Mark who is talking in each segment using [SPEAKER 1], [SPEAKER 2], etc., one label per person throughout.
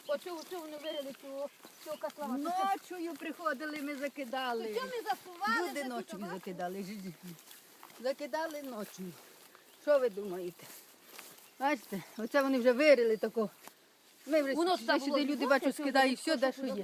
[SPEAKER 1] Оцю вони вирили цю котлову.
[SPEAKER 2] Ночою приходили, ми закидали.
[SPEAKER 1] Що ми засували?
[SPEAKER 2] Люди ночою закидали. Закидали ночою. Що ви думаєте? Бачите, оце вони вже вирили тако. Ми вже сюди люди, бачу, скидають все, де що є.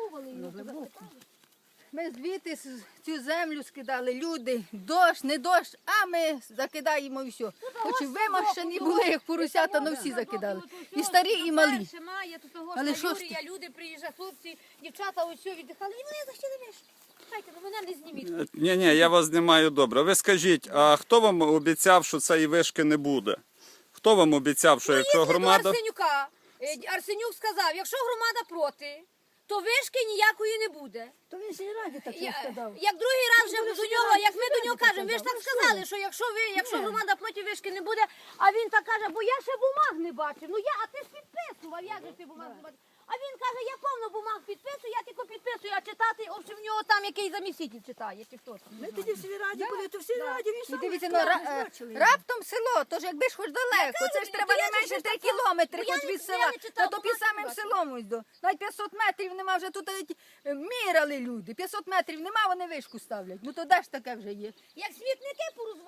[SPEAKER 2] Ми звідти цю землю скидали, люди, дощ, не дощ, а ми закидаємо і все. Хоч і вимощені були, як поросята, але всі закидали. І старі, і малі.
[SPEAKER 1] Але що ж люди приїжджають, хлопці, дівчата ось все віддихали, і вони захотіли мішки. Чекайте, ну мене не зніміть.
[SPEAKER 3] Ні, я вас знімаю добре. Ви скажіть, а хто вам обіцяв, що цієї вишки не буде? Хто вам обіцяв, що якщо громада...
[SPEAKER 1] Арсенюка. Арсенюк сказав, якщо громада проти, то вишки ніякої не буде.
[SPEAKER 2] То він сільраді так сказав.
[SPEAKER 1] Як другий раз вже до нього, як ми до нього кажемо, ви ж так сказали, що якщо громада проти вишки не буде, а він так каже, бо я ще бумаг не бачив. Ну а ти ж підписував, як же ти бумаг не бачив? А він каже, я повно бумаг підписую, я тільки підписую, а читати, в нього там який заміситель читає, чи хто там.
[SPEAKER 2] Ми тоді в сільраді були, то в сільраді він сам.
[SPEAKER 4] Дивіться, раптом село, тож якби ж хоч далеко, це ж треба не менше 3 кілометри хоч від села, то під самим селом ось до. Навіть 500 метрів нема, вже тут міряли люди, 500 метрів нема, вони вишку ставлять. Ну то де ж таке вже є?
[SPEAKER 1] Як смітники